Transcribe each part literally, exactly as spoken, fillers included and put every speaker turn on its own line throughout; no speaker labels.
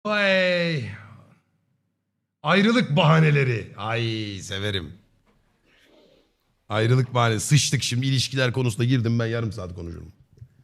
Vay. Ayrılık bahaneleri. Ay severim. Ayrılık bahanesi. Sıçtık şimdi ilişkiler konusuna girdim ben yarım saat konuşurum.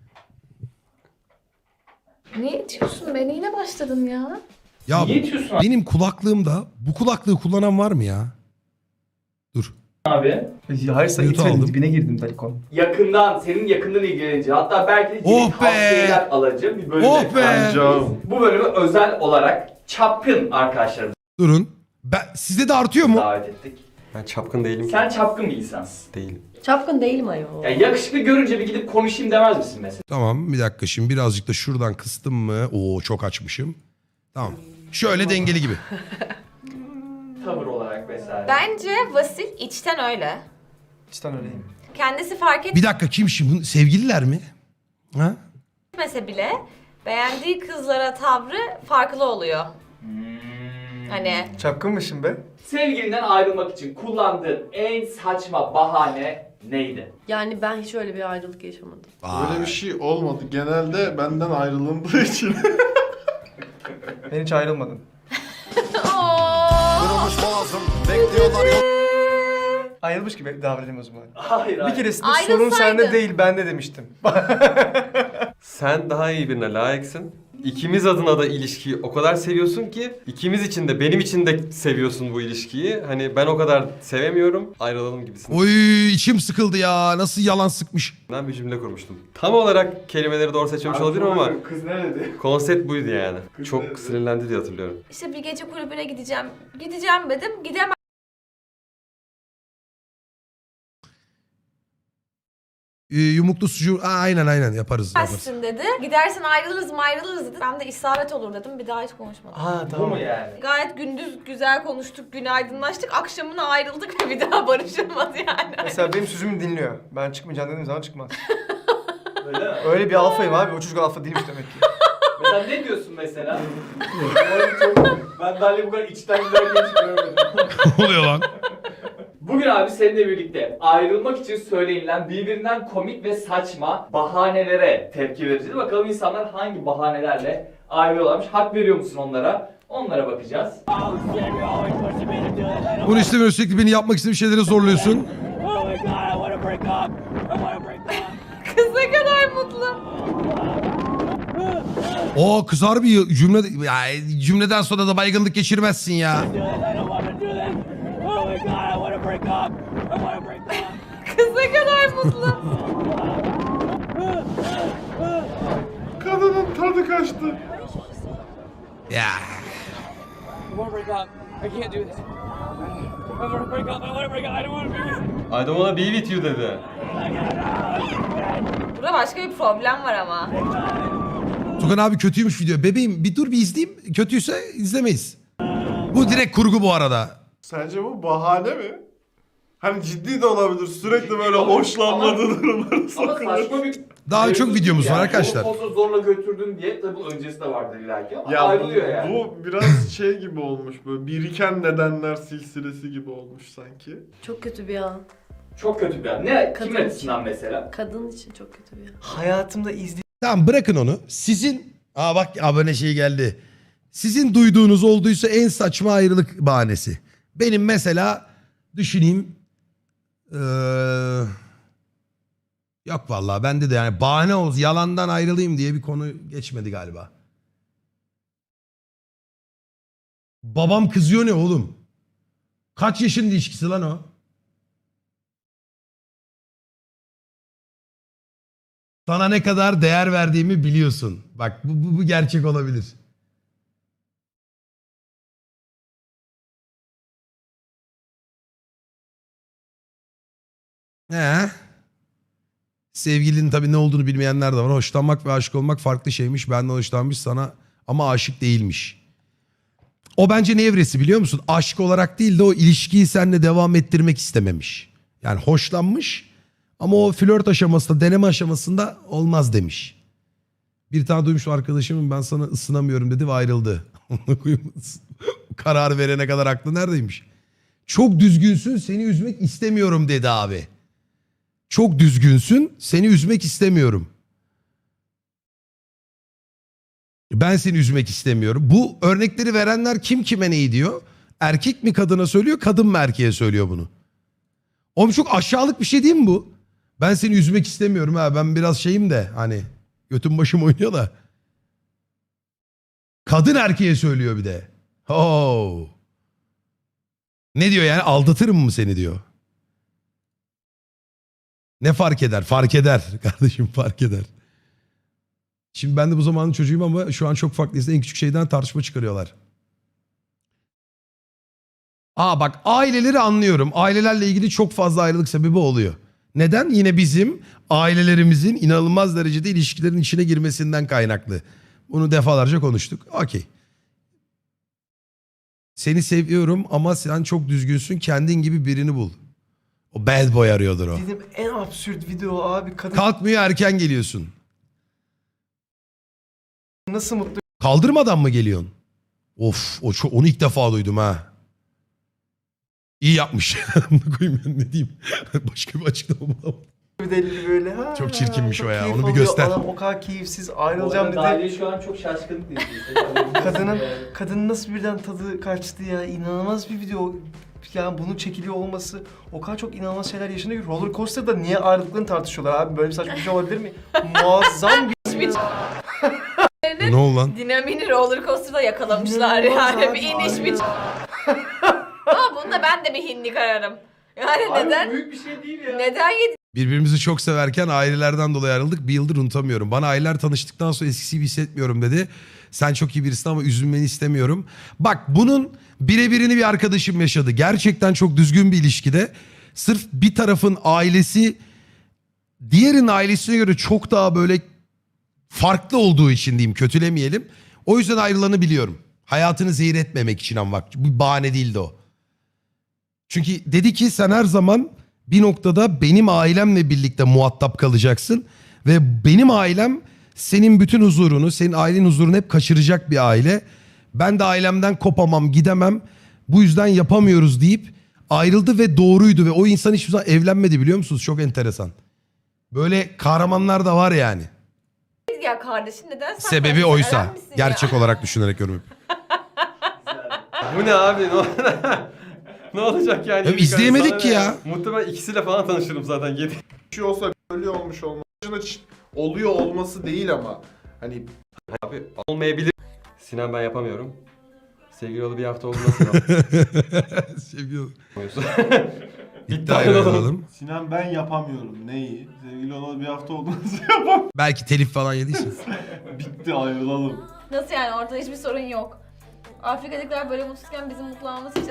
Ne içiyorsun be? Neyle başladın ya?
Ya
Niye içiyorsun
benim kulaklığımda bu kulaklığı kullanan var mı ya? Dur.
abi?
Hayır sen
Mute
itmedin
aldım.
dibine girdim Talikon.
Yakından, senin yakından ilgilenince, hatta belki de
Oh
yeni
be!
tavsiyeler alacağım bir bölüm.
Oh be!
Bu bölümü özel olarak çapkın arkadaşlarımızı
Durun. Ben, sizde de artıyor mu?
davet ettik.
Ben çapkın değilim ki.
Sen çapkın bir insansın.
Değilim.
Çapkın değilim ayol.
Ya yakışıklı görünce bir gidip konuşayım demez misin mesela?
Tamam bir dakika şimdi birazcık da şuradan kıstım mı? Oo çok açmışım. Tamam. Şöyle dengeli gibi.
Tavır olarak vesaire.
Bence Vasil içten öyle.
İçten öyleyim.
Kendisi fark
Bir dakika kim şimdi? Sevgililer mi? Ha?
etmese bile beğendiği kızlara tavrı farklı oluyor.
Hmm.
Hani
Çapkınmışım be.
Sevgilinden ayrılmak için kullandığın en saçma bahane neydi?
Yani ben hiç öyle bir ayrılık yaşamadım.
Öyle bir şey olmadı. Genelde benden ayrılındığı için.
Ben hiç ayrılmadım. Ayrılmış gibi davranayım o zaman.
Hayır
Bir
hayır.
keresinde
Ayrılsaydın.
sorun sende değil bende demiştim.
Sen daha iyi birine layıksın. İkimiz adına da ilişkiyi o kadar seviyorsun ki ikimiz için de benim için de seviyorsun bu ilişkiyi. Hani ben o kadar sevemiyorum. Ayrılalım gibisinden
Oy içim sıkıldı ya. Nasıl yalan sıkmış.
bir cümle kurmuştum. Tam olarak kelimeleri doğru seçmemiş olabilirim ama
Kız ne dedi?
konsept buydu yani.
Kız
Çok
nerede?
sinirlendi diye hatırlıyorum.
işte bir gece kulübüne gideceğim. Gideceğim dedim. Gidemezsin
Ee, yumuklu sucuğu. Aa, aynen aynen yaparız. yaparız.
dedi. Gidersen ayrılırız mı ayrılırız dedi. Ben de isabet olur dedim. Bir daha hiç konuşmadım.
Aa
Bu mu yani?
Gayet gündüz güzel konuştuk, günaydınlaştık. Akşamına ayrıldık ve bir daha barışılmadı yani.
Mesela benim sözümü dinliyor. Ben çıkmayacağım dediğim zaman çıkmaz.
Öyle mi?
Öyle bir alfayım abi. O çocuk alfa değilmiş demek ki.
Mesela ne diyorsun mesela? Ben çok- ben Dalya bu kadar içten gülerken hiç görmedim.
Ne oluyor lan?
Bugün abi seninle birlikte ayrılmak için söylenilen birbirinden komik ve saçma bahanelere tepki vereceğiz. Bakalım insanlar hangi bahanelerle ayrılıyorlarmış. Hak veriyor musun onlara? Onlara bakacağız.
Bunu istemiyorum sürekli beni yapmak istediğim şeylere zorluyorsun.
Kız ne kadar mutlu.
O kızar bir cümle. Ya, cümleden sonra da baygınlık geçirmezsin ya.
Kız ne kadar mutlu.
Kadının tadı kaçtı.
Ya.
I want to break up. I can't do this. I want to break up. I want to break up. I don't want to be with you.
I don't wanna be with you dedi.
Burada başka bir problem var ama.
Tugan abi kötüymüş video. Bebeğim bir dur bir izleyeyim. Kötüyse izlemeyiz. Bu direkt kurgu bu arada.
Sence bu bahane mi? Hani ciddi de olabilir. Sürekli böyle
Ama-
hoşlanmadığı durumlara
Ama
sokulur.
saçma bir...
Daha çok videomuz var arkadaşlar.
Onu pozu zorla götürdün diye tabii bunun öncesi de vardır illaki ama
Ya bu,
ayrılıyor yani.
bu biraz şey gibi olmuş böyle biriken nedenler silsilesi gibi olmuş sanki.
Çok kötü bir an.
Çok kötü bir an. Ne?
Kadın
Kimin
için.
açısından mesela?
Kadın için çok kötü bir an.
Hayatımda izlediğim
Tamam bırakın onu. Sizin... Aa bak abone şey geldi. Sizin duyduğunuz olduysa en saçma ayrılık bahanesi. Benim mesela düşüneyim. Ee... Yok vallahi bende de yani bahane olsun yalandan ayrılayım diye bir konu geçmedi galiba. Babam kızıyor ne oğlum? Kaç yaşın ilişkisi lan o? Sana ne kadar değer verdiğimi biliyorsun. Bak bu, bu, bu gerçek olabilir. He. Sevgilinin tabii ne olduğunu bilmeyenler de var. Hoşlanmak ve aşık olmak farklı şeymiş. Benden hoşlanmış sana ama aşık değilmiş. O bence ne evresi biliyor musun? Aşık olarak değil de o ilişkiyi seninle devam ettirmek istememiş. Yani hoşlanmış ama o flört aşamasında, deneme aşamasında olmaz demiş. Bir tane duymuşum arkadaşımın ben sana ısınamıyorum dedi ve ayrıldı. Karar verene kadar aklı neredeymiş? Çok düzgünsün seni üzmek istemiyorum dedi abi. Çok düzgünsün seni üzmek istemiyorum. Ben seni üzmek istemiyorum. Bu örnekleri verenler kim kime neyi diyor? Erkek mi kadına söylüyor, kadın mı erkeğe söylüyor bunu? Oğlum çok aşağılık bir şey değil mi bu? Ben seni üzmek istemiyorum ha. Ben biraz şeyim de hani götüm başım oynuyor da. Kadın erkeğe söylüyor bir de. Oh. Ne diyor yani, aldatırım mı seni diyor. Ne fark eder? Fark eder kardeşim, fark eder. Şimdi ben de bu zamanın çocuğuyum ama şu an çok farklıyız. En küçük şeyden tartışma çıkarıyorlar. Aa bak, aileleri anlıyorum. Ailelerle ilgili çok fazla ayrılık sebebi oluyor. Neden? Yine bizim ailelerimizin inanılmaz derecede ilişkilerin içine girmesinden kaynaklı. Bunu defalarca konuştuk. Okey. Seni seviyorum ama sen çok düzgünsün. Kendin gibi birini bul. O bad boy arıyordur o.
Dedim en absürt video abi. Kadın
Kalkmıyor, erken geliyorsun.
nasıl mutlu
Kaldırmadan mı geliyorsun? Of, o çok, onu ilk defa duydum ha. İyi yapmış. Bunu koyayım ben, ne diyeyim. Başka bir açıklama bulamadım.
bir deli böyle. Ha,
Çok çirkinmiş
çok
o ya,
keyif
onu bir
alıyor.
göster.
Adam o kadar keyifsiz
Bu
ayrılacağım
arada
dedi.
Gaye şu an çok şaşkınlık izliyor.
Kadının kadının nasıl birden tadı kaçtı ya. İnanılmaz bir video. Yani bunun çekiliyor olması, o kadar çok inanılmaz şeyler yaşanıyor ki roller coaster'da niye ayrılıklarını tartışıyorlar abi? Böyle bir saçma bir şey olabilir mi? Muazzam bir
Hiçbir
Ne oldu lan?
dinamini roller coaster'da yakalamışlar
İnanılmaz
yani.
abi,
Bir iniş
aynen.
bir... Ama bunda ben de bir hinlik ararım. Yani
Abi
neden?
büyük bir şey değil ya.
Neden yedi?
Birbirimizi çok severken ailelerden dolayı ayrıldık. Bir yıldır unutamıyorum. Bana aileler tanıştıktan sonra eskisi gibi hissetmiyorum dedi. Sen çok iyi birisin ama üzülmeni istemiyorum. Bak, bunun birebirini bir arkadaşım yaşadı. Gerçekten çok düzgün bir ilişkide. Sırf bir tarafın ailesi diğerinin ailesine göre çok daha böyle farklı olduğu için diyeyim, kötülemeyelim. O yüzden ayrılanı biliyorum. Hayatını zehir etmemek için ama bak, bu bahane değildi o. Çünkü dedi ki sen her zaman bir noktada benim ailemle birlikte muhatap kalacaksın. Ve benim ailem senin bütün huzurunu, senin ailenin huzurunu hep kaçıracak bir aile. Ben de ailemden kopamam, gidemem. Bu yüzden yapamıyoruz deyip ayrıldı ve doğruydu. Ve o insan hiçbir zaman evlenmedi, biliyor musunuz? Çok enteresan. Böyle kahramanlar da var yani.
Ya kardeşim neden sen
Sebebi
kardeşin?
oysa.
Ölen misin ya?
Gerçek olarak düşünerek yorum.
Bu ne abi? Ne, ne olacak yani?
Ya izleyemedik
Sana
ki
ne
ya.
Muhtemelen ikisiyle falan tanışırım zaten. Yedi.
Bir şey olsa öyle olmuş olması. Hiç oluyor olması değil ama. Hani
Abi olmayabilir. Sinan ben yapamıyorum. Sevgili yolu bir hafta oldu nasıl
Seviyorum.
yapamıyorsun?
İddiayla alalım.
Sinan ben yapamıyorum. Neyi? Sevgili olalı bir hafta oldu nasıl yapamam?
Belki telif falan yediysin.
Bitti, ayrılalım.
Nasıl yani, ortada hiçbir sorun yok. Afrika'dakiler böyle mutsuzken bizim mutlu olmamız hiç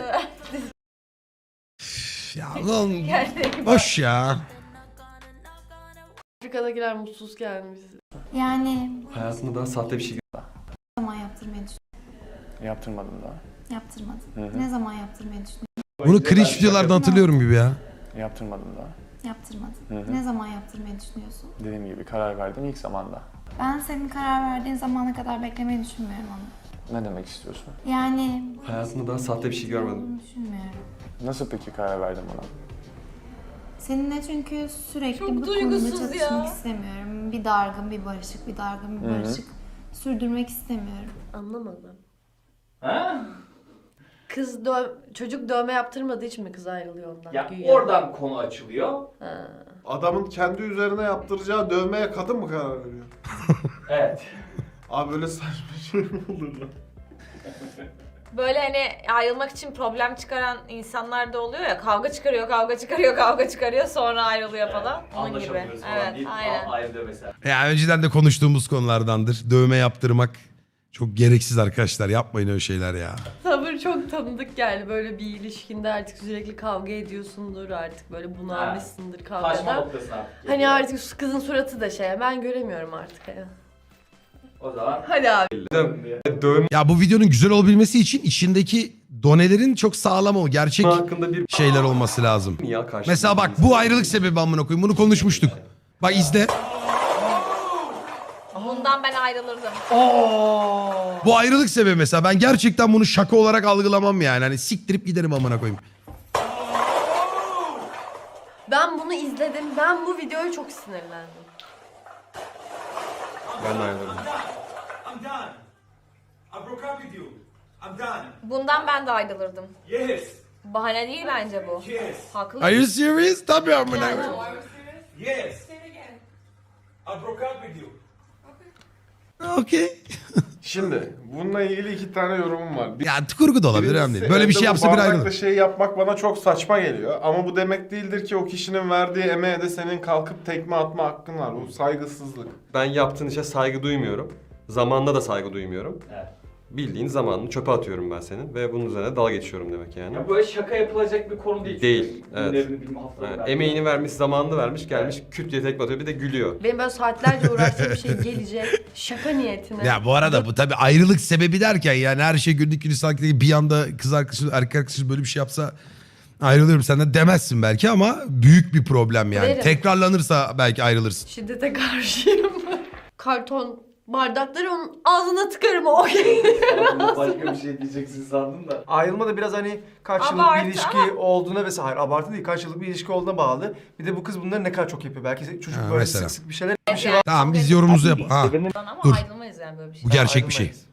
Ya lan
yani.
boş ya.
Afrika'dakiler mutsuz gelmiş.
Yani
Hayatımda daha sahte bir şey
ne zaman yaptırmayı düşünüyorsun?
Yaptırmadım daha.
Yaptırmadın. Ne zaman yaptırmayı düşünüyorsun?
Bunu cringe videolardan hatırlıyorum gibi ya.
Yaptırmadım daha.
Yaptırmadın. Ne zaman yaptırmayı düşünüyorsun?
Dediğim gibi karar verdim ilk zamanda.
Ben senin karar verdiğin zamana kadar beklemeyi düşünmüyorum ama.
Ne demek istiyorsun?
Yani
Hayatımda daha sahte bir şey görmedim.
olduğunu düşünmüyorum.
Nasıl peki karar verdin buna?
Seninle çünkü sürekli
Çok
bu konuda
duygusuz
çatışmak
ya.
istemiyorum. Bir dargın, bir barışık, bir dargın, bir barışık sürdürmek istemiyorum.
Anlamadım.
Ha?
Kız dö çocuk dövme yaptırmadığı için mi kız ayrılıyor ondan?
Ya
Güya.
oradan konu açılıyor.
Ha.
Adamın kendi üzerine yaptıracağı dövmeye kadın mı karar veriyor?
Evet.
Abi böyle saçma şey mi olur lan?
Böyle hani ayrılmak için problem çıkaran insanlar da oluyor ya. Kavga çıkarıyor, kavga çıkarıyor, kavga çıkarıyor, sonra ayrılıyor falan. Onun gibi.
Anlaşamıyoruz falan
Evet,
deyip
aynen.
ayrılıyor mesela.
Ya önceden de konuştuğumuz konulardandır. Dövme yaptırmak çok gereksiz arkadaşlar. Yapmayın öyle şeyler ya.
Sabır çok tanıdık geldi. Böyle bir ilişkinde artık sürekli kavga ediyorsundur, artık böyle bunalmışsındır
Taşma
kavgadan.
noktasına artık
Hani
geliyor.
artık şu kızın suratı da şey, ben göremiyorum artık ya.
O zaman
Hadi abi.
Dövme
Ya bu videonun güzel olabilmesi için içindeki donelerin çok sağlam o. Gerçek
hakkında bir
şeyler olması lazım.
ya karşı.
Mesela bak, bu ayrılık sebebi amına koyayım. Bunu konuşmuştuk. Bak izle.
Bundan ben ayrılırdım.
Bu ayrılık sebebi mesela. Ben gerçekten bunu şaka olarak algılamam yani. Hani siktirip giderim amına koyayım.
Ben bunu izledim. Ben bu videoya çok sinirlendim.
Ben de ayrılırım.
I broke up with you. I'm done.
Bundan ben de ayrılırdım.
Yes.
Bahane değil bence bu.
Yes.
Haklı.
Are you serious? Tabii amına koyayım.
Yes. I broke up with you.
Okey.
Şimdi bununla ilgili iki tane yorumum var. Bir-
Ya kurgu da olabilir önemli değil. Böyle bir
evde
şey
bu
yapsa bir
bardakla
ayrılır.
şey yapmak bana çok saçma geliyor. Ama bu demek değildir ki o kişinin verdiği emeğe de senin kalkıp tekme atma hakkın var. Bu saygısızlık.
Ben yaptığın işe saygı duymuyorum. Zamanına da saygı duymuyorum.
Evet.
Bildiğin zamanını çöpe atıyorum ben senin ve bunun üzerine dalga geçiyorum demek yani.
Ya böyle şaka yapılacak bir konu değil.
Değil, evet.
Günlerini bilme, haftalarını
Yani
verme.
emeğini vermiş, zamanını vermiş, gelmiş küt diye tekme atıyor bir de gülüyor.
Benim böyle saatlerce uğraştığım bir şey gelecek. Şaka niyetine.
Ya bu arada bu tabii ayrılık sebebi derken yani her şey günlük gülistanlık değil. Bir anda kız arkadaşı, erkek arkadaşı böyle bir şey yapsa ayrılıyorum senden demezsin belki ama büyük bir problem yani.
Derim.
Tekrarlanırsa belki ayrılırsın.
Şiddete karşıyım. Karton bardakları onun ağzına tıkarım o.
Aslında başka bir şey diyeceksin sandım da.
Ayrılma da biraz hani kaç yıllık
Abartı
bir ilişki
ama-
olduğuna vesaire. Hayır, abartı değil. Kaç yıllık bir ilişki olduğuna bağlı. Bir de bu kız bunları ne kadar çok yapıyor. Belki çocuk
Ha,
böyle
mesela.
sık sık bir şeyler bir şey
Yani
Tamam
çok
biz
eski
yorumumuzu yap. Ha
ama
Dur.
ayrılmayız yani böyle bir şey.
bu gerçek bir şey.
ayrılmayız.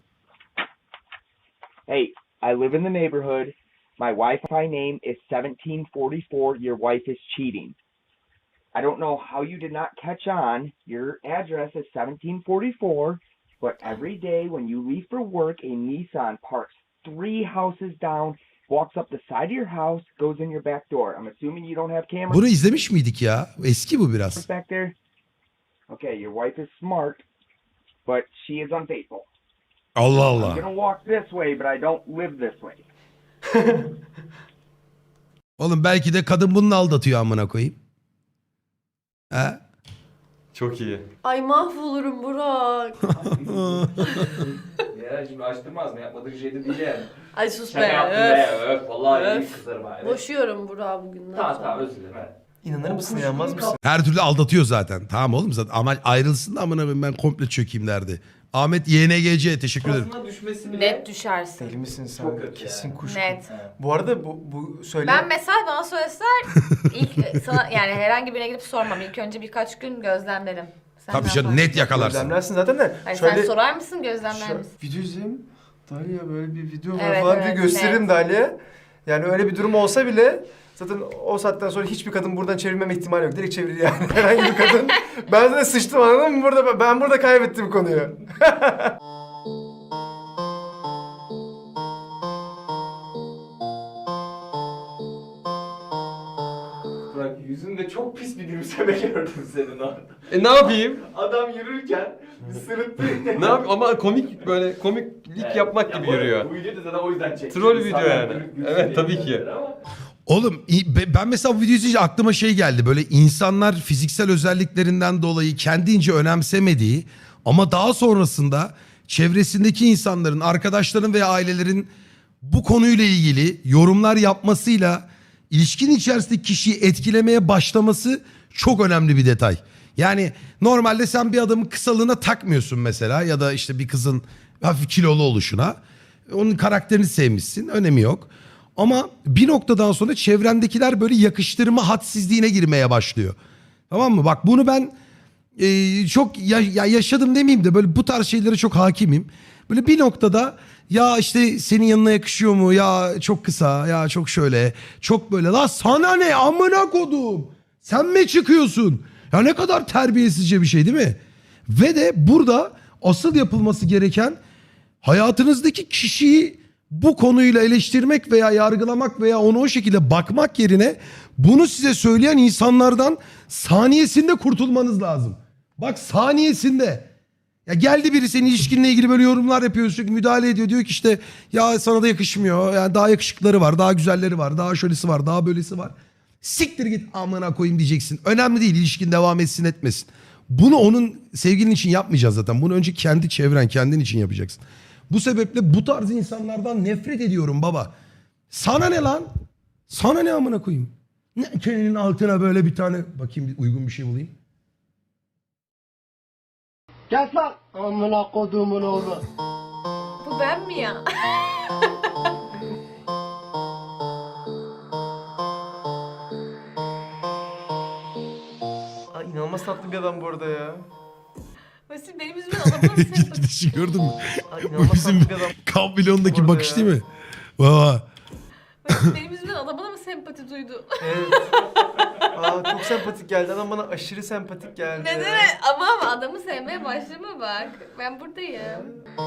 Hey, I live in the neighborhood. My Wi-Fi name is seventeen forty-four. Your wife is cheating. I don't know how you did not catch on. Your address is seventeen forty-four, but every day when you leave for work, a Nissan parks three houses down, walks up the side of your house, goes in your back door. I'm assuming you don't have cameras
Bunu izlemiş miydik ya? Eski bu biraz.
back there. Okay, your wife is smart, but she is unfaithful.
Allah
I'm
Allah.
gonna walk this way, but I don't live this way.
Oğlum belki de kadın bununla aldatıyor amına koyayım. He?
Çok iyi.
Ay mahvolurum Burak.
Ya şimdi açtırmaz mı? Yapmadığı şey de değil yani.
Ay sus
Şaka
be.
yaptım
öf.
be. Öf. Vallahi iyi
Öf.
kızarım ha. Evet.
Boşuyorum Burak'ı bugünden
Tamam
sonra.
tamam özür dilerim. Evet.
İnanır mısın, inanmaz mısın?
Her türlü aldatıyor zaten. Tamam oğlum zaten ama ayrılsın da amına koyayım ben komple çökeyim derdi. Ahmet Y N G C teşekkür ederim.
Kafasına düşmesi bile...
Net düşersin.
Deli misin sen?
Çok kötü
Kesin
yani.
kuş.
Net.
Bu arada bu, bu söyle...
Ben mesela bana söyleseler ilk sana yani herhangi birine gidip sormam. İlk önce birkaç gün gözlemlerim. Sen
Tabii
ne
canım
yaparsın?
net yakalarsın.
Gözlemlersin zaten de.
Hayır,
şöyle...
sen sorar mısın gözlemler
Şu-
misin?
Video izleyeyim. Dalia böyle bir video var
Evet,
falan
evet,
diye gösteririm
net.
Dalia. Yani öyle bir durum olsa bile zaten o saatten sonra hiçbir kadın buradan çevirmeme ihtimali yok. Direkt çevirir yani herhangi bir kadın. Ben zaten sıçtım anladın mı? Burada, ben burada kaybettim konuyu.
Bırak yüzünde çok pis bir gülümseme gördüm senin orada.
E ne yapayım?
Adam yürürken bir sırıttı.
Ne yapayım? Ama komik böyle komiklik
Evet.
yapmak
Ya
gibi
bu-
yürüyor.
Bu videoyu da zaten o yüzden çektim.
Troll video
İnsanlar
yani.
gülüp gülsün
Evet,
diye
tabii ki.
izlediler ama-
Oğlum i- be- ben mesela bu videoyu izleyince aklıma şey geldi. Böyle insanlar fiziksel özelliklerinden dolayı kendince önemsemediği ama daha sonrasında çevresindeki insanların, arkadaşların veya ailelerin bu konuyla ilgili yorumlar yapmasıyla ilişkinin içerisindeki kişiyi etkilemeye başlaması çok önemli bir detay. Yani normalde sen bir adamın kısalığına takmıyorsun mesela ya da işte bir kızın hafif kilolu oluşuna. Onun karakterini sevmişsin, önemi yok. Ama bir noktadan sonra çevrendekiler böyle yakıştırma hadsizliğine girmeye başlıyor. Tamam mı? Bak bunu ben e, çok ya, ya yaşadım demeyeyim de böyle bu tarz şeylere çok hakimim. Böyle bir noktada ya işte senin yanına yakışıyor mu? Ya çok kısa, ya çok şöyle, çok böyle. La sana ne amına kodum? Sen mi çıkıyorsun? Ya ne kadar terbiyesizce bir şey değil mi? Ve de burada asıl yapılması gereken hayatınızdaki kişiyi bu konuyla eleştirmek veya yargılamak veya ona o şekilde bakmak yerine bunu size söyleyen insanlardan saniyesinde kurtulmanız lazım. Bak saniyesinde. Ya geldi biri senin ilişkinle ilgili böyle yorumlar yapıyor, sürekli müdahale ediyor. Diyor ki işte ya sana da yakışmıyor. Yani daha yakışıkları var, daha güzelleri var, daha şöylesi var, daha böylesi var. Siktir git amına koyayım diyeceksin. Önemli değil ilişkin devam etsin etmesin. Bunu onun sevgilin için yapmayacağız zaten. Bunu önce kendi çevren, kendin için yapacaksın. Bu sebeple bu tarz insanlardan nefret ediyorum baba. Sana ne lan? Sana ne amına koyayım? Ne kelinin altına böyle bir tane bakayım bir uygun bir şey bulayım.
Gel lan. Amına kodumun oğlu.
Bu ben mi ya?
Ay, inanılmaz tatlı bir adam bu arada ya.
Ve Basil benim yüzümden adamına mı sempati?
Gidişi gördün mü?
Ay,
Bu
inanılmaz
bizim
tatlı bir adam.
Kampilon'daki
Orada
bakış
ya.
değil mi? Baba.
Basil benim yüzümden adamına mı sempati duydu?
Evet. Aa, çok sempatik geldi. Adam bana aşırı sempatik geldi.
Neden? Ama ama adamı sevmeye başlama bak. Ben buradayım.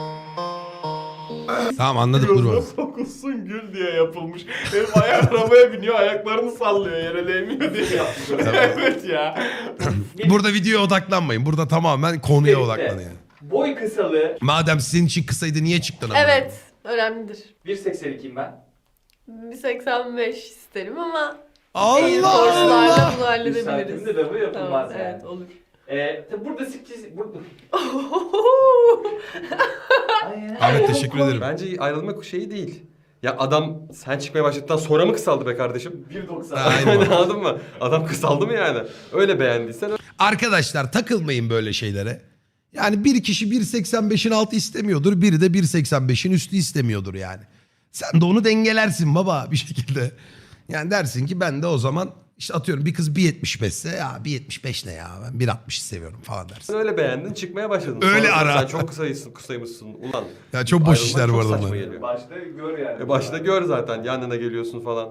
Tamam anladık dur
Gözüne
baba.
sokulsun gül diye yapılmış. Benim ayak arabaya biniyor, ayaklarını sallıyor, yere değmiyor diye yaptı. Evet ya.
Burada videoya odaklanmayın. Burada tamamen konuya
Birlikte.
odaklanın yani.
Boy kısalığı
Madem sizin için kısaydı niye çıktın ama?
Evet, önemlidir.
bir seksen ikiyim ben.
bir seksen beş isterim ama
Allah
iyi
Allah.
sorslarla bunu
Bir
halledebiliriz.
saatimde de bu yapılmaz
Tamam,
yani.
evet olur.
Ee, tabi burada sekiz... Burada...
Ahmet teşekkür ederim.
Bence ayrılmak şeyi değil. Ya adam sen çıkmaya başladıktan sonra mı kısaldı be kardeşim?
bir doksan.
Aynen.
Anladın mı? Adam kısaldı mı yani? Öyle beğendiysen öyle.
Arkadaşlar takılmayın böyle şeylere. Yani bir kişi bir seksen beşin altı istemiyordur. Biri de bir seksen beşin üstü istemiyordur yani. Sen de onu dengelersin baba bir şekilde. Yani dersin ki ben de o zaman işte atıyorum bir kız bir yetmiş beşse ya bir yetmiş beş ne ya ben bir altmışı seviyorum falan dersin.
Sen öyle beğendin çıkmaya başladın.
Öyle
Sonra
ara.
Sen çok kısayısın, kısaymışsın ulan.
Ya çok boş
Ayrılmak
işler bu
çok
arada
saçma
bunlar.
geliyor.
Başta gör yani.
E başta gör zaten yanına geliyorsun falan.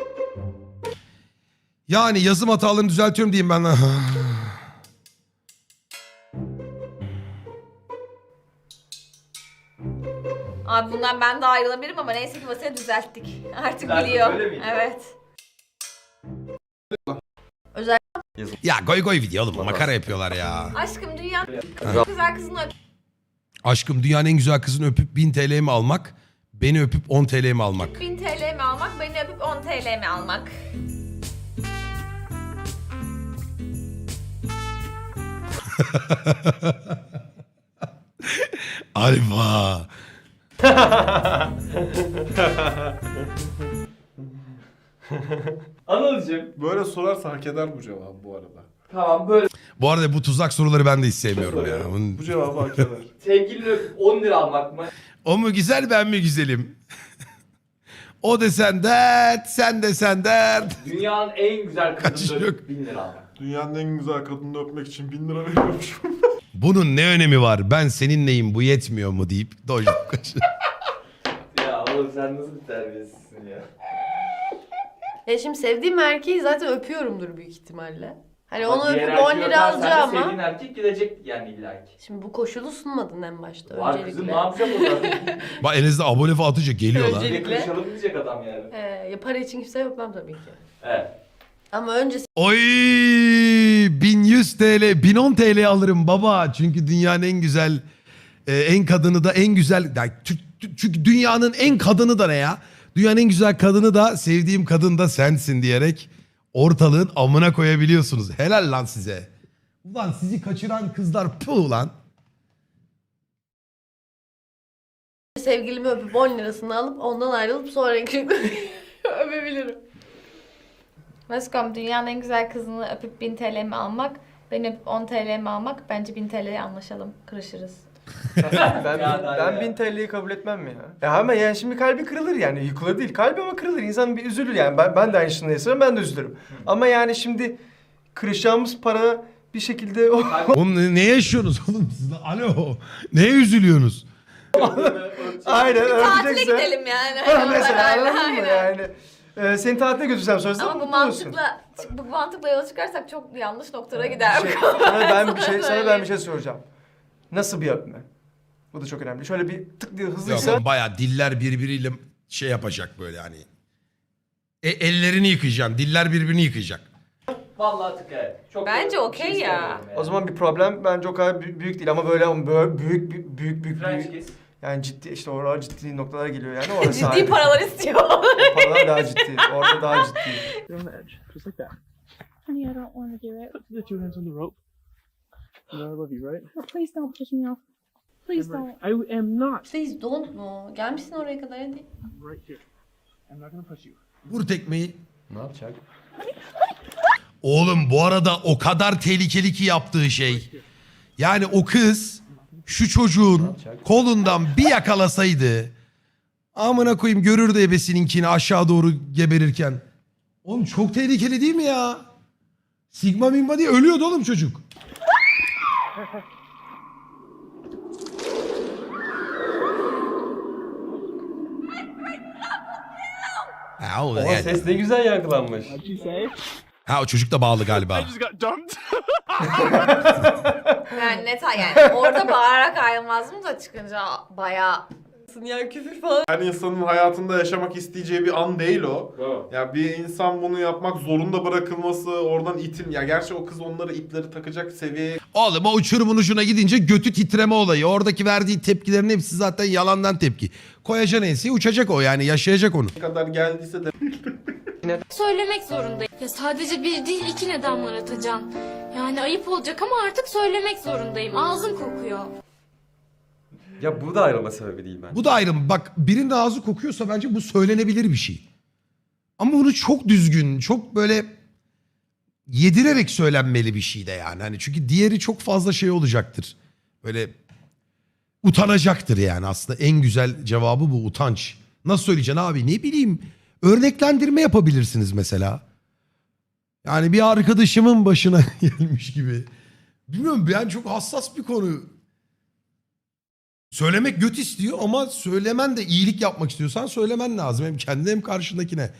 Yani yazım hatalarını düzeltiyorum diyeyim ben.
Abi bundan ben de ayrılabilirim ama neyse ki Basil'i düzelttik. Artık
Düzelttik,
biliyor.
öyle miydi?
Evet.
Ya goy goy video oğlum makara yapıyorlar ya.
Aşkım dünya en güzel kızını öp.
Aşkım dünyanın en güzel kızını öpüp bin T L mi almak? Beni öpüp on T L mi almak?
bin T L mi almak, beni öpüp on T L mi almak?
Alfa.
Anılcım.
Böyle sorarsa hak eder bu cevabı bu arada.
Tamam böyle
Bu arada bu tuzak soruları ben de hiç sevmiyorum ya. Bunun-
Bu cevabı hak eder.
sevgilini öpüp on lira almak mı?
O mu güzel ben mi güzelim? O desen dert, sen desen dert.
Dünyanın en güzel
Kaçış
kadını
yok.
öpüp bin lira almak.
Dünyanın en güzel kadını öpmek için bin lira veriyormuş.
Bunun ne önemi var? Ben senin neyim bu yetmiyor mu deyip dojluk kaçır.
Ya oğlum sen nasıl bir terbiyesizsin ya.
Ya şimdi sevdiğim erkeği zaten öpüyorumdur büyük ihtimalle. Hani
Ama
onu
diğer
öpüp on
erkeği
lira
öpersen de
alacağım
sevdiğin
ama.
erkek gidecek yani illa ki.
Şimdi bu koşulu sunmadın en başta
Var
öncelikle.
kızım ne yapacağım o zaman?
Bak elinizde abone falan atınca geliyor lan.
Önce-
Bir kırışalım diyecek adam yani.
Ee, ya para için kimse öpmem tabii ki.
Evet.
Ama önce
Oy bin yüz T L, bin on T L alırım baba. Çünkü dünyanın en güzel, e, en kadını da en güzel. Yani tü- tü- çünkü dünyanın en kadını da ne ya? Dünyanın en güzel kadını da sevdiğim kadın da sensin diyerek ortalığın amına koyabiliyorsunuz. Helal lan size. Ulan sizi kaçıran kızlar puh lan.
sevgilimi öpüp on lirasını alıp ondan ayrılıp sonraki öpebilirim.
Baskom dünyanın en güzel kızını öpüp bin T L mi almak, beni öpüp on T L mi almak? Bence bin T L'ye anlaşalım, kırışırız.
Ben,
Ya da
ben
ya.
bin T L'yi kabul etmem mi ya? Ya ama yani şimdi kalbi kırılır yani. Yıkılır değil. Kalbi ama kırılır. İnsan bir üzülür yani. Ben, ben de aynı şeyden yaşarım. Ben de üzülürüm. Ama yani şimdi kırışacağımız para bir şekilde o...
Oğlum ne, ne yaşıyorsunuz oğlum siz? Alo. Neye üzülüyorsunuz?
Aynen
Tatile
öpecekse.
gidelim yani.
Ha, mesela
Aynen,
anladın mı
aynen.
yani? Ee, seni tatile götürsem sonrasında
Ama bu
mutlu olursun.
mantıkla, bu mantıkla yola çıkarsak çok yanlış noktalara gider.
Şey, sana ben bir şey sana ben
Söyleyeyim.
bir şey soracağım. Nasıl bir öpme? Bu da çok önemli. Şöyle bir tık diye
Yok
hızlıysa
oğlum bayağı diller birbiriyle şey yapacak böyle hani. E, ellerini yıkayacaksın. Diller birbirini yıkayacak.
Vallahi tık evet. Çok
Bence
da
okey
bir şey
ya.
istemiyorum yani.
o zaman bir problem bence o kadar bü- büyük değil ama böyle ama böyle büyük büyük büyük büyük,
French
büyük
kiss.
yani ciddi işte oralar ciddi noktalara geliyor yani orası
Ciddi
ayrı.
paralar istiyor.
O paralar daha ciddi. Orada daha ciddi.
You're on the edge, just like that.
Honey, I don't want to do it.
Put the two hands on the rope. You know I love you, right?
Oh, please don't push me off. Please don't.
I am not
Please don't mu? Gelmişsin oraya kadar hadi.
right here. I'm not gonna push you.
Vur tekmeyi.
Ne yapacak?
Oğlum bu arada o kadar tehlikeli ki yaptığı şey. Yani o kız şu çocuğun kolundan bir yakalasaydı amına koyayım görürdü ebesininkini aşağı doğru geberirken. Oğlum çok tehlikeli değil mi ya? Sigma mimma diye ölüyordu oğlum çocuk. Ha, o,
Ama
yani.
ses ne güzel yankılanmış.
Ha o çocuk da bağlı galiba.
Yani net yani orada bağırarak ayrılmazdım da çıkınca bayağı
Ya küfür falan.
Her insanın hayatında yaşamak isteyeceği bir an değil o.
Bravo.
Ya bir insan bunu yapmak zorunda bırakılması, oradan itin. Ya gerçi o kız onları ipleri takacak seviyeye
Oğlum o uçurumun ucuna gidince götü titreme olayı. Oradaki verdiği tepkilerin hepsi zaten yalandan tepki. Koyacaksın enseye uçacak o yani yaşayacak onu.
kadar geldiyse de
Söylemek zorundayım. Ya sadece bir değil iki neden var Atacan. Yani ayıp olacak ama artık söylemek zorundayım. Ağzım kokuyor.
Ya bu da ayrılma sebebi değil bence.
Bu da ayrım. Bak birinin ağzı kokuyorsa bence bu söylenebilir bir şey. Ama bunu çok düzgün, çok böyle yedirerek söylenmeli bir şey de yani. Hani çünkü diğeri çok fazla şey olacaktır. Böyle utanacaktır yani aslında en güzel cevabı bu utanç. Nasıl söyleyeceksin abi ne bileyim örneklendirme yapabilirsiniz mesela. Yani bir arkadaşımın başına gelmiş gibi. Bilmiyorum yani çok hassas bir konu. Söylemek göt istiyor ama söylemen de iyilik yapmak istiyorsan söylemen lazım. Hem kendine hem karşındakine.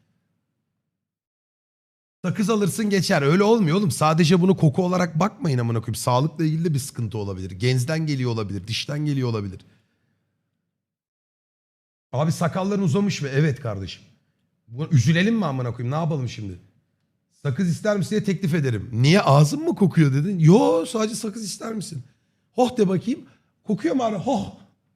Sakız alırsın geçer. Öyle olmuyor oğlum. Sadece bunu koku olarak bakmayın amına koyayım. Sağlıkla ilgili de bir sıkıntı olabilir. Genzden geliyor olabilir. Dişten geliyor olabilir. Abi sakalların uzamış mı? Evet kardeşim. Buna üzülelim mi amına koyayım? Ne yapalım şimdi? Sakız ister misin diye teklif ederim. Niye ağzın mı kokuyor dedin? Yo sadece sakız ister misin? Hoh de bakayım. Kokuyor mu abi? Hoh.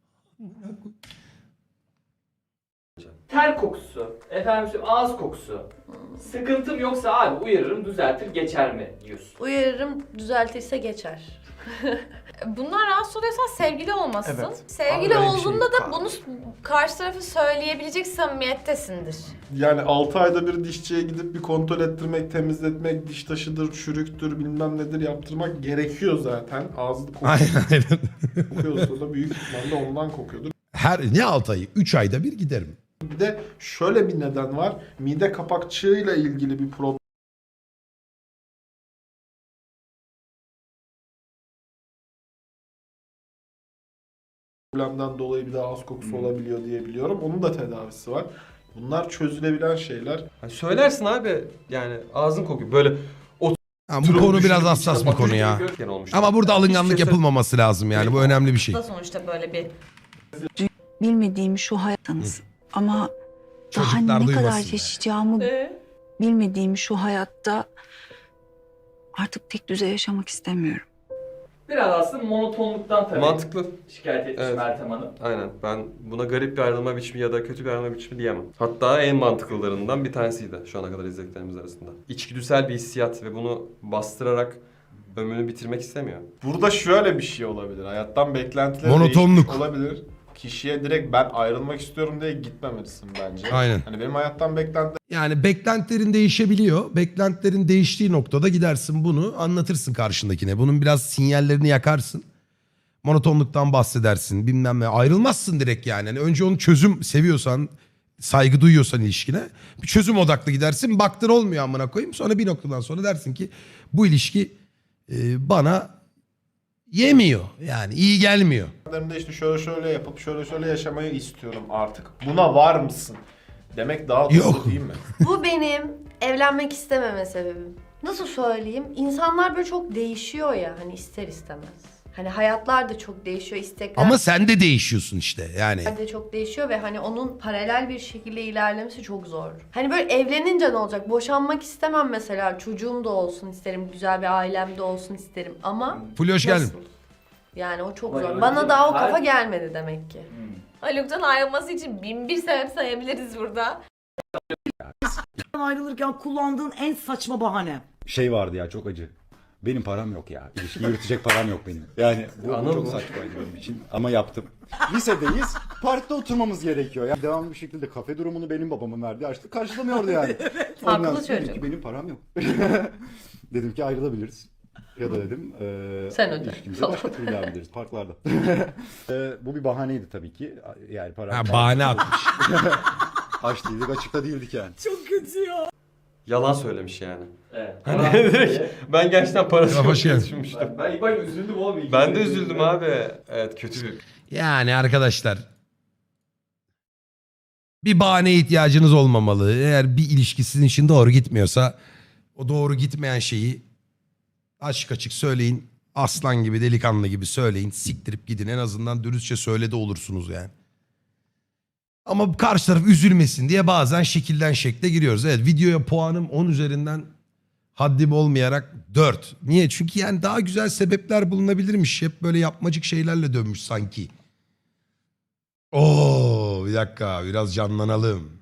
Ter kokusu, efendim söyleyeyim, ağız kokusu. Sıkıntım yoksa abi uyarırım, düzeltir, geçer mi diyorsun?
Uyarırım, düzeltirse geçer.
bundan rahatsız oluyorsan sevgili olmasın.
Evet.
Sevgili
Abi böyle bir şey
olduğunda
yok
da
abi.
bunu karşı tarafı söyleyebilecek samimiyettesindir.
yani altı ayda bir dişçiye gidip bir kontrol ettirmek, temizletmek, diş taşıdır, çürüktür, bilmem nedir yaptırmak gerekiyor zaten. Ağzı
Aynen aynen.
kokuyorsa da büyük ihtimalle ondan kokuyordur.
Her ne altı ayı? Üç ayda bir giderim.
Bir de şöyle bir neden var. Mide kapakçığıyla ilgili bir problem. problemden dolayı bir de ağız kokusu olabiliyor diye biliyorum. Onun da tedavisi var. Bunlar çözülebilen şeyler.
Yani söylersin abi yani ağzın kokuyor. Böyle
Ha, bu konu biraz hassas bir konu ya.
Olmuş.
Ama burada alınganlık
Hiçbir şey
yapılmaması lazım yani. Bu önemli bir şey.
Da sonuçta böyle bir
Bilmediğim şu hayatınız ama daha
Çocuklar
ne kadar
duymasın.
yaşayacağımı
Ee?
bilmediğim şu hayatta artık tek düze yaşamak istemiyorum.
Biraz aslında monotonluktan tabii
Mantıklı.
şikayet etmiş
Evet.
Meltem Hanım.
Aynen. Ben buna garip bir ayrılma biçimi ya da kötü bir ayrılma biçimi diyemem. Hatta en mantıklılarından bir tanesiydi şu ana kadar izlediklerimiz arasında. İçgüdüsel bir hissiyat ve bunu bastırarak ömrünü bitirmek istemiyor.
Burada şöyle bir şey olabilir. Hayattan beklentileri
Monotonluk.
değişmiş olabilir. Kişiye direkt ben ayrılmak istiyorum diye gitmemelisin bence.
Aynen.
Hani benim hayattan beklentilerim
Yani beklentilerin değişebiliyor. Beklentilerin değiştiği noktada gidersin bunu anlatırsın karşındakine. Bunun biraz sinyallerini yakarsın. Monotonluktan bahsedersin bilmem ne. Ayrılmazsın direkt yani. Yani önce onu çözüm seviyorsan, saygı duyuyorsan ilişkine bir çözüm odaklı gidersin. Baktın olmuyor amına koyayım. Sonra bir noktadan sonra dersin ki bu ilişki e, bana yemiyor. Yani iyi gelmiyor.
de işte şöyle şöyle yapıp şöyle şöyle yaşamayı istiyorum artık. Buna var mısın? Demek daha doğru
Yok.
değil mi?
Bu benim evlenmek istememe sebebim. Nasıl söyleyeyim? İnsanlar böyle çok değişiyor ya hani ister istemez. Hani hayatlar da çok değişiyor, istekler
Ama sen de değişiyorsun işte yani.
de çok değişiyor ve hani onun paralel bir şekilde ilerlemesi çok zor. Hani böyle evlenince ne olacak? Boşanmak istemem mesela. Çocuğum da olsun isterim, güzel bir ailem de olsun isterim ama
Fulya hoş geldin.
nasıl? Yani o çok
Vay
zor.
öyle
Bana
değil.
daha o
Her-
kafa gelmedi demek ki.
Haluk'tan ayrılması için bin bir sebep sayabiliriz burada.
Ayrılırken kullandığın en saçma bahane.
Şey vardı ya çok acı. Benim param yok ya. İlişkiyi yürütecek param yok benim. Yani bu, bu
Anladın
çok
mı?
saçmaydı benim için. Ama yaptım. Lisedeyiz. Parkta oturmamız gerekiyor. Yani devamlı bir şekilde kafe durumunu benim babamın verdiği açlık karşılamıyordu yani. Ondan
Haklı
sonra dedim
çocuk.
ki benim param yok. Dedim ki ayrılabiliriz. Ya da dedim eee
Sen öde.
ilişkimize başka türlü devam ederiz parklarda. Eee, bu bir bahaneydi tabii ki. Yani para...
Ha, bahane atmış.
Aç değildik, açıkta değildik yani.
Çok kötü ya.
Yalan söylemiş yani.
Evet.
Hani direkt ben gerçekten parası
Ya,
yok
hoş
diye
geldin.
düşünmüştüm.
Ben, ben ilk başta üzüldüm oğlum. İlk
Ben de
kez
üzüldüm abi. Evet kötü bir
Yani arkadaşlar Bir bahaneye ihtiyacınız olmamalı. Eğer bir ilişki sizin için doğru gitmiyorsa o doğru gitmeyen şeyi açık açık söyleyin. Aslan gibi, delikanlı gibi söyleyin. Siktirip gidin. En azından dürüstçe söyledi olursunuz yani. Ama karşı taraf üzülmesin diye bazen şekilden şekle giriyoruz. Evet, videoya puanım on üzerinden haddim olmayarak dört. Niye? Çünkü yani daha güzel sebepler bulunabilirmiş. Hep böyle yapmacık şeylerle dönmüş sanki. Oo, bir dakika biraz canlanalım.